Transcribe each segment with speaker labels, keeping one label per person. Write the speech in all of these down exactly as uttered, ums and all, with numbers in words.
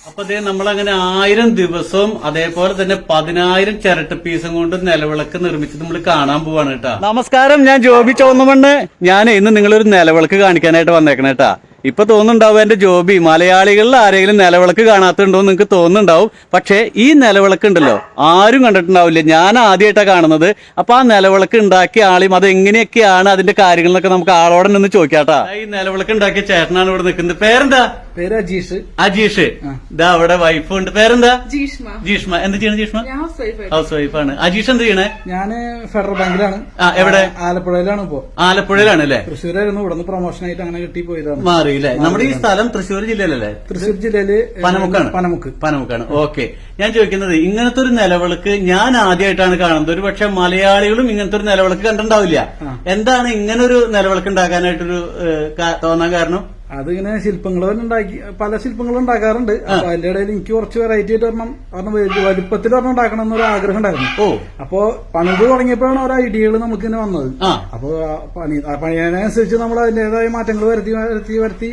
Speaker 1: അപ്പൊ അതേ നമ്മളങ്ങനെ ആയിരം ദിവസവും അതേപോലെ തന്നെ പതിനായിരം ചിരട്ട പീസും കൊണ്ട് നിലവിളക്ക് നിർമ്മിച്ച് നമ്മൾ കാണാൻ പോവാണ് കേട്ടാ. നമസ്കാരം, ഞാൻ ജോബി ചോന്നമണ്ണ്. ഞാൻ ഇന്ന് നിങ്ങളൊരു നിലവിളക്ക് കാണിക്കാനായിട്ട് വന്നേക്കണ കേട്ടാ. ഇപ്പൊ തോന്നുന്നുണ്ടാവും എന്റെ ജോബി മലയാളികളിൽ ആരെങ്കിലും നിലവിളക്ക് കാണാത്തുണ്ടോ എന്ന് നിങ്ങൾക്ക് തോന്നുന്നുണ്ടാവും. പക്ഷെ ഈ നിലവിളക്ക് ഉണ്ടല്ലോ ആരും കണ്ടിട്ടുണ്ടാവില്ല, ഞാൻ ആദ്യമായിട്ടാണ് കാണുന്നത്. അപ്പൊ ആ നിലവിളക്ക് ഉണ്ടാക്കിയ ആളെയും അത് എങ്ങനെയൊക്കെയാണ് അതിന്റെ കാര്യങ്ങളൊക്കെ നമുക്ക് ആളോടെ ഒന്ന് ചോദിക്കാട്ടാ. ഈ നിലവിളക്ക് ഉണ്ടാക്കിയ ചേട്ടനാണ് ഇവിടെ നിൽക്കുന്നത്. പേരെന്താ?
Speaker 2: പേര് അജീഷ്.
Speaker 1: അജീഷ്. ഇതാ അവിടെ വൈഫ് ഉണ്ട്. പേരെന്താ?
Speaker 3: ജീഷ്മ.
Speaker 1: ജീഷ്മ. എന്ത് ചെയ്യണം ജീഷ്മ? ഹൗസ് വൈഫാണ്. അജീഷ് എന്ത് ചെയ്യണേ?
Speaker 2: ഞാന് ഫെഡറൽ ബാങ്കിലാണ്.
Speaker 1: ആ, എവിടെ?
Speaker 2: ആലപ്പുഴയിലാണ്. ഇപ്പോ
Speaker 1: ആലപ്പുഴയിലാണ് അല്ലേ?
Speaker 2: തൃശ്ശൂരായിരുന്നു. ഇവിടെ നിന്ന് പ്രൊമോഷൻ ആയിട്ട് അങ്ങനെ കിട്ടി പോയതാണ്.
Speaker 1: മാറി അല്ലേ? നമ്മുടെ ഈ സ്ഥലം തൃശ്ശൂർ ജില്ലയിലല്ലേ?
Speaker 2: തൃശ്ശൂർ ജില്ലയില്
Speaker 1: പനമുക്കാണ്.
Speaker 2: പനമുക്ക്
Speaker 1: പനമുക്കാണ്. ഓക്കെ. ഞാൻ ചോദിക്കുന്നത്, ഇങ്ങനത്തെ ഒരു നിലവിളക്ക് ഞാൻ ആദ്യമായിട്ടാണ് കാണുന്നത്. ഒരു പക്ഷെ മലയാളികളും ഇങ്ങനത്തെ ഒരു നിലവിളക്ക് കണ്ടിട്ടുണ്ടാവില്ല. എന്താണ് ഇങ്ങനൊരു നിലവിളക്ക് ഉണ്ടാക്കാനായിട്ടൊരു തോന്നാൻ കാരണം?
Speaker 2: അതിങ്ങനെ ശില്പങ്ങൾ ഉണ്ടാക്കി പല ശില്പങ്ങളും ഉണ്ടാക്കാറുണ്ട്. അപ്പൊ അതിന്റെ ഇടയിൽ എനിക്ക് കുറച്ച് വെറൈറ്റി ആയിട്ട് ഒരെണ്ണം ഒരെണ്ണം വലുപ്പത്തിൽ ഒരെണ്ണം ഉണ്ടാക്കണം എന്നൊരു ആഗ്രഹം ഉണ്ടായിരുന്നു.
Speaker 1: ഓ
Speaker 2: അപ്പോ പണിത് തുടങ്ങിയപ്പോഴാണ് ഓരോ ഐഡിയകൾ നമുക്ക് ഇങ്ങനെ വന്നത്. അപ്പൊ പണി പണിയനുസരിച്ച് നമ്മൾ അതിന്റേതായ മാറ്റങ്ങൾ വരുത്തി വരുത്തി വരുത്തി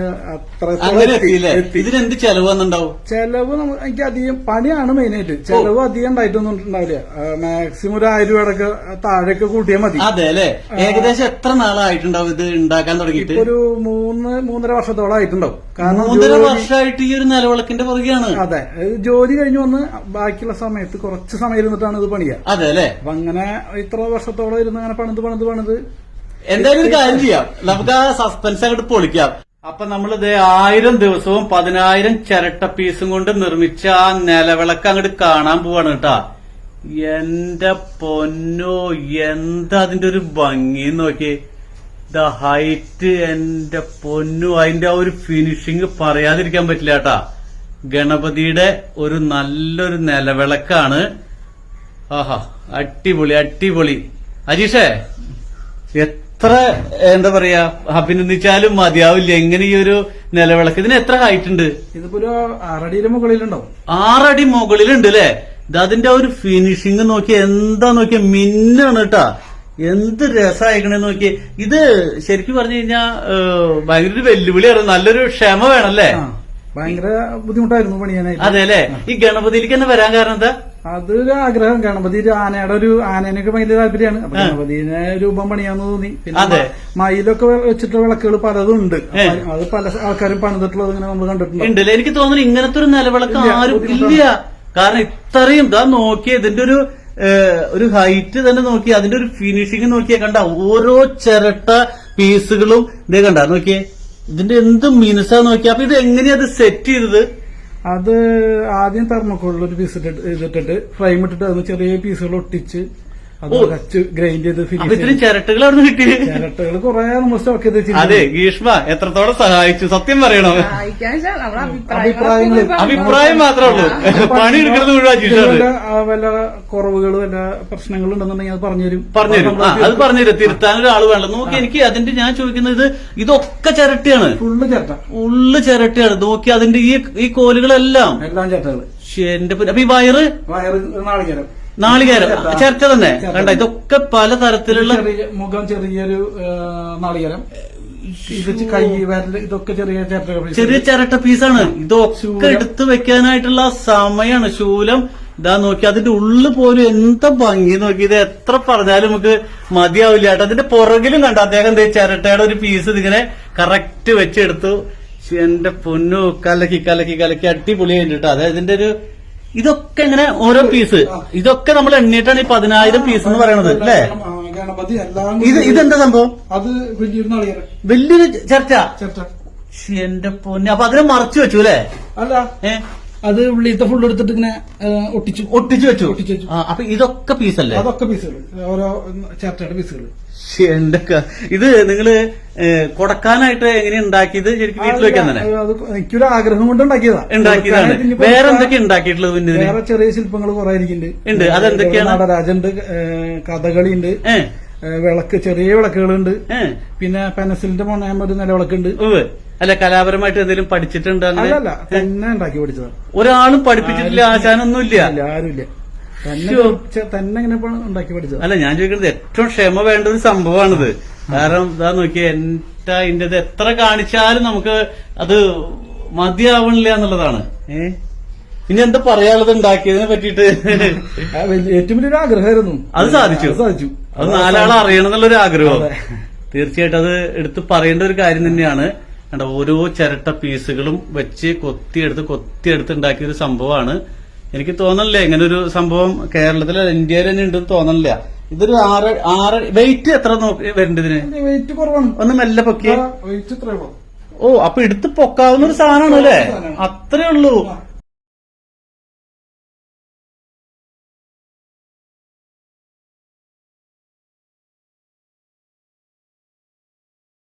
Speaker 2: അത്ര
Speaker 1: ഇതിനെന്ത് ചെലവ് വന്നിട്ടുണ്ടാവും?
Speaker 2: ചെലവ് എനിക്ക് അധികം പണിയാണ് മെയിനായിട്ട്. ചെലവ് അധികം ഉണ്ടായിട്ടൊന്നും ഉണ്ടാവില്ല. മാക്സിമം ഒരു ആയിരം രൂപയുടെ താഴെയൊക്കെ കൂട്ടിയാൽ മതി.
Speaker 1: അതെ അല്ലെ? ഏകദേശം എത്ര നാളായിട്ടുണ്ടാവും ഇത് ഉണ്ടാക്കാൻ തുടങ്ങിയിട്ട്?
Speaker 2: ഒരു മൂന്ന് മൂന്നര വർഷത്തോളം ആയിട്ടുണ്ടാവും.
Speaker 1: കാരണം മൂന്നര വർഷമായിട്ട് ഈ ഒരു നിലവിളക്കിന്റെ പുറകെയാണ്.
Speaker 2: അതെ, ജോലി കഴിഞ്ഞു വന്ന് ബാക്കിയുള്ള സമയത്ത് കുറച്ച് സമയം ഇരുന്നിട്ടാണ് ഇത് പണിയുക.
Speaker 1: അതെ അല്ലെ?
Speaker 2: അപ്പൊ അങ്ങനെ ഇത്ര വർഷത്തോളം ഇരുന്ന് അങ്ങനെ പണിത് പണിത് പണിത്
Speaker 1: എന്തായാലും ഒരു കാര്യം ചെയ്യാം, നമുക്ക് ആ സസ്പെൻസ് അങ്ങോട്ട് പൊളിക്കാം. അപ്പൊ നമ്മളിത് ആയിരം ദിവസവും പതിനായിരം ചിരട്ട പീസും കൊണ്ട് നിർമ്മിച്ച ആ നിലവിളക്ക് അങ്ങോട്ട് കാണാൻ പോവാണ് കേട്ടാ. എന്റെ പൊന്നോ, എന്താ അതിന്റെ ഒരു ഭംഗി നോക്കി. ദ ഹൈറ്റ്, എന്റെ പൊന്നു, അതിന്റെ ആ ഒരു ഫിനിഷിങ് പറയാതിരിക്കാൻ പറ്റില്ല കേട്ടാ. ഗണപതിയുടെ ഒരു നല്ലൊരു നിലവിളക്കാണ്. ആഹാ, അടിപൊളി അടിപൊളി. അജീഷേ, എത്ര എന്താ പറയാ അഭിനന്ദിച്ചാലും മതിയാവില്ല എങ്ങനെ ഈ ഒരു നിലവിളക്ക്. ഇതിന് എത്ര ഹൈറ്റ് ഉണ്ട്?
Speaker 2: ഇതിപ്പോ ഒരു ആറടിയുടെ മുകളിലുണ്ടാവും.
Speaker 1: ആറടി മുകളിലുണ്ട് അല്ലേ? ഇത് അതിന്റെ ആ ഒരു ഫിനിഷിങ് നോക്കി, എന്താ നോക്കിയ മിന്നാണ് കേട്ടാ. എന്ത് രസമായിക്കണേ നോക്കി. ഇത് ശരിക്കും പറഞ്ഞു കഴിഞ്ഞാ ഭയങ്കര ഒരു വെല്ലുവിളിയാണ്. നല്ലൊരു ക്ഷമ വേണല്ലേ?
Speaker 2: ഭയങ്കര ബുദ്ധിമുട്ടായിരുന്നു പണിയാനായിട്ട്.
Speaker 1: അതെ അല്ലെ? ഈ ഗണപതിയിലേക്ക് തന്നെ വരാൻ കാരണം എന്താ?
Speaker 2: അതൊരു ആഗ്രഹം. ഗണപതി ഒരു ആനയുടെ ഒരു ആനേനൊക്കെ ഭയങ്കര താല്പര്യമാണ്. അപ്പൊ ഗണപതിനെ രൂപം പണിയാന്ന് തോന്നി. പിന്നെ മയിലൊക്കെ വെച്ചിട്ടുള്ള വിളക്കുകൾ പലതും ഉണ്ട്. അത് പല ആൾക്കാരും പണിതിട്ടുള്ളത് ഇങ്ങനെ നമ്മൾ കണ്ടിട്ടുണ്ട്.
Speaker 1: എനിക്ക് തോന്നുന്നു ഇങ്ങനത്തെ ഒരു നിലവിളക്ക് ആരും ഇല്ല. കാരണം ഇത്രയും ഇതാ നോക്കിയ ഇതിന്റെ ഒരു ഒരു ഹൈറ്റ് തന്നെ നോക്കി, അതിന്റെ ഒരു ഫിനിഷിങ് നോക്കിയാ കണ്ട. ഓരോ ചിരട്ട പീസുകളും ഇതേ കണ്ട നോക്കിയേ, ഇതിന്റെ എന്ത് മിനുസാ നോക്കിയ. അപ്പൊ ഇത് എങ്ങനെയാ അത് സെറ്റ് ചെയ്തത്?
Speaker 2: അത് ആദ്യം തെർമോക്കോളിൽ ഒരു പീസ് ഇതിട്ടിട്ട് ഫ്രെയിം ഇട്ടിട്ട് അത് ചെറിയ പീസുകൾ ഒട്ടിച്ച് അത് കച്ച് ഗ്രൈൻഡ് ചെയ്ത്
Speaker 1: ഇത്രയും ചിരട്ടകൾ അവിടെ നിന്ന് കിട്ടി.
Speaker 2: ചിരട്ടകൾ കുറെ നമ്മൾ സ്റ്റോക്ക് ചെയ്ത് വെച്ചിട്ടുണ്ട്.
Speaker 1: അതെ, ഗീഷ്മ എത്രത്തോളം സഹായിച്ചു സത്യം പറയണോ?
Speaker 2: അഭിപ്രായങ്ങൾ
Speaker 1: അഭിപ്രായം മാത്രമേ ഉള്ളൂ, പണി എടുക്കുന്നത് മുഴുവൻ.
Speaker 2: വല്ല കുറവുകൾ വല്ല പ്രശ്നങ്ങളുണ്ടെന്നുണ്ടെങ്കിൽ അത് പറഞ്ഞുതരും.
Speaker 1: പറഞ്ഞുതരും. അത് പറഞ്ഞുതരും. തിരുത്താൻ ഒരാൾ വേണ്ട. നോക്കി, എനിക്ക് അതിന്റെ ഞാൻ ചോദിക്കുന്നത്, ഇതൊക്കെ ചിരട്ടയാണ്.
Speaker 2: ഫുള്ള് ചിരട്ട,
Speaker 1: ഫുള്ള് ചിരട്ടയാണ്. നോക്കി അതിന്റെ ഈ ഈ കോലുകളെല്ലാം
Speaker 2: എല്ലാം ചിരട്ടകൾ.
Speaker 1: എന്റെ അപ്പൊ ഈ വയറ്
Speaker 2: വയറ് നാളികേരം
Speaker 1: നാളികേരം ചിരട്ട തന്നെ കണ്ട. ഇതൊക്കെ പല തരത്തിലുള്ള
Speaker 2: മുഖം ചെറിയൊരു നാളികേരം, ഇത് കൈ വരല്, ഇതൊക്കെ ചെറിയ ചിരട്ട
Speaker 1: ചെറിയ ചിരട്ട പീസാണ്. ഇതൊക്കെ എടുത്തു വെക്കാനായിട്ടുള്ള സമയമാണ്. ശൂലം ഇതാ നോക്കി, അതിന്റെ ഉള്ളു പോലും എന്താ ഭംഗി നോക്കി. ഇത് എത്ര പറഞ്ഞാലും നമുക്ക് മതിയാവില്ല കേട്ടോ. അതിന്റെ പുറകിലും കണ്ട അദ്ദേഹം എന്താ ചിരട്ടയുടെ ഒരു പീസ് ഇതിങ്ങനെ കറക്റ്റ് വെച്ചെടുത്തു. എന്റെ പൊന്നു, കലക്കി കലക്കി കലക്കി അടിപൊളിയായിട്ട് കേട്ടോ. അതായത് ഇതിന്റെ ഒരു ഇതൊക്കെ ഇങ്ങനെ ഓരോ പീസ്, ഇതൊക്കെ നമ്മൾ എണ്ണിയിട്ടാണ് ഈ പതിനായിരം പീസ് എന്ന് പറയണത് അല്ലേ?
Speaker 2: ഗണപതി എല്ലാം.
Speaker 1: ഇത് ഇതെന്താ സംഭവം?
Speaker 2: അത് വലിയൊരു നാളികേരം,
Speaker 1: വലിയൊരു ചർച്ച.
Speaker 2: ചർച്ച
Speaker 1: എന്റെ പൊന്നു. അപ്പൊ അതിനെ മറച്ചു വെച്ചു അല്ലേ?
Speaker 2: അല്ല, ഏഹ് അത് ഉള്ളിലത്തെ ഫുള്ള് എടുത്തിട്ട് ഇങ്ങനെ ഒട്ടിച്ചു
Speaker 1: ഒട്ടിച്ചു വെച്ചു ഒട്ടിച്ചു വെച്ചു അപ്പൊ ഇതൊക്കെ പീസല്ലേ?
Speaker 2: അതൊക്കെ പീസുകൾ, ഓരോ ചിരട്ടയുടെ പീസുകൾ.
Speaker 1: എന്റെ ഇത് നിങ്ങള് കൊടുക്കാനായിട്ട് എങ്ങനെ ഉണ്ടാക്കിയത്? ശരിക്കും വീട്ടിൽ വെക്കാൻ തന്നെ?
Speaker 2: എനിക്കൊരു ആഗ്രഹം കൊണ്ട് ഉണ്ടാക്കിയതാ.
Speaker 1: ഉണ്ടാക്കിയതാണ്. വേറെ എന്തൊക്കെ ഉണ്ടാക്കിയിട്ടുള്ളത്? പിന്നെ
Speaker 2: വേറെ ചെറിയ ശില്പങ്ങൾ കുറെ ഇരിക്കുന്നുണ്ട്.
Speaker 1: ഉണ്ട്. അതെന്തൊക്കെയാണ്?
Speaker 2: നടരാജുണ്ട്, കഥകളി ഉണ്ട്, വിളക്ക്, ചെറിയ വിളക്കുകളുണ്ട്, പിന്നെ പെൻസിലിന്റെ മൊണയാകുമ്പോ ഒരു നിലവിളക്കുണ്ട്.
Speaker 1: അല്ല, കലാപരമായിട്ട് എന്തെങ്കിലും പഠിച്ചിട്ടുണ്ട്?
Speaker 2: അല്ലല്ല, തന്നെ ഉണ്ടാക്കി പഠിച്ചതാണ്.
Speaker 1: ഒരാളും പഠിപ്പിച്ചിട്ടില്ല, ആശാനൊന്നുമില്ല,
Speaker 2: ആരുമില്ല, തന്നെ ഇങ്ങനെ ഉണ്ടാക്കി പഠിച്ചത്.
Speaker 1: അല്ല, ഞാൻ ചോദിക്കുന്നത് ഏറ്റവും ക്ഷമ വേണ്ട ഒരു സംഭവമാണിത്. കാരണം ഇതാ നോക്കിയ എന്റെ ഇതിന്റെ എത്ര കാണിച്ചാലും നമുക്ക് അത് മതിയാവണില്ല എന്നുള്ളതാണ്. ഏ ഇനി എന്താ പറയാനുള്ളത് ഉണ്ടാക്കിയതിനെ പറ്റിയിട്ട്?
Speaker 2: ആ, വലിയ- ഏറ്റവും വലിയൊരു ആഗ്രഹമായിരുന്നു.
Speaker 1: അത് സാധിച്ചു.
Speaker 2: അത് സാധിച്ചു.
Speaker 1: അത് നാലാളെ അറിയണം എന്നുള്ളൊരു ആഗ്രഹം. തീർച്ചയായിട്ടും അത് എടുത്ത് പറയേണ്ട ഒരു കാര്യം തന്നെയാണ്. കണ്ടോ, ഓരോ ചിരട്ട പീസുകളും വെച്ച് കൊത്തിയെടുത്ത് കൊത്തിയെടുത്ത് ഉണ്ടാക്കിയ ഒരു സംഭവമാണ്. എനിക്ക് തോന്നണില്ല ഇങ്ങനെ ഒരു സംഭവം കേരളത്തിൽ ഇന്ത്യയിൽ തന്നെ ഉണ്ടെന്ന് തോന്നണില്ല. ഇതൊരു ആറ് ആറ് വെയിറ്റ് എത്ര നോക്കി വരേണ്ടതിന്?
Speaker 2: വെയിറ്റ് കുറവാണ്.
Speaker 1: ഒന്ന് മെല്ലെ പൊക്കിയ.
Speaker 2: വെയിറ്റ് ഇത്രയുള്ളൂ.
Speaker 1: ഓ, അപ്പൊ എടുത്ത് പൊക്കാവുന്ന ഒരു സാധനമാണ് അല്ലേ? അത്രേ ഉള്ളൂ.